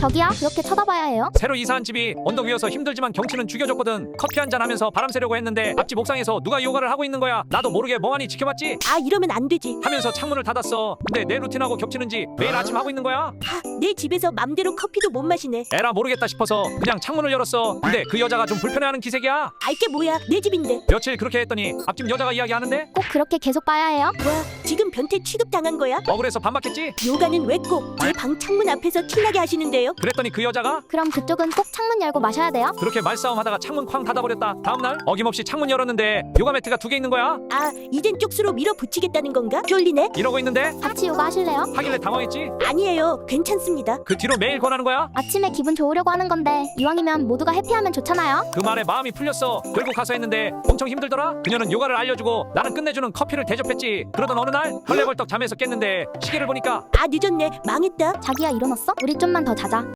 저기요, 그렇게 쳐다봐야 해요? 새로 이사한 집이 언덕 위여서 힘들지만 경치는 죽여줬거든. 커피 한잔 하면서 바람 쐬려고 했는데 앞집 옥상에서 누가 요가를 하고 있는 거야. 나도 모르게 멍하니 지켜봤지. 아, 이러면 안 되지. 하면서 창문을 닫았어. 근데 내 루틴하고 겹치는지 매일 아침 하고 있는 거야. 내 집에서 맘대로 커피도 못 마시네. 에라 모르겠다 싶어서 그냥 창문을 열었어. 근데 그 여자가 좀 불편해하는 기색이야. 알게 뭐야, 내 집인데. 며칠 그렇게 했더니 앞집 여자가 이야기하는데 꼭 그렇게 계속 봐야 해요? 와, 지금 변태 취급당한 거야? 억울해서 반박했지. 요가는 왜 꼭 제 방 창문 앞에서 티나게 하시는데요? 그랬더니 그 여자가 그럼 그쪽은 꼭 창문 열고 마셔야 돼요? 그렇게 말싸움하다가 창문 쾅 닫아버렸다. 다음날 어김없이 창문 열었는데 요가 매트가 2개 있는 거야. 아, 이젠 쪽수로 밀어붙이겠다는 건가? 쫄리네? 이러고 있는데 같이 요가 하실래요? 하길래 당황했지. 아니에요, 괜찮습니다. 그 뒤로 매일 권하는 거야. 아침에 기분 좋으려고 하는 건데 이왕이면 모두가 해피하면 좋잖아요. 그 말에 마음이 풀렸어. 결국 가서 했는데 엄청 힘들더라. 그녀는 요가를 알려주고 나는 끝내주는 커피를 대접했지. 그러던 어느 날 헐레벌떡 잠에서 깼는데 시계를 보니까 아, 늦었네. 망했다. 자기야, 일어났어? 우리 좀만 더 자자.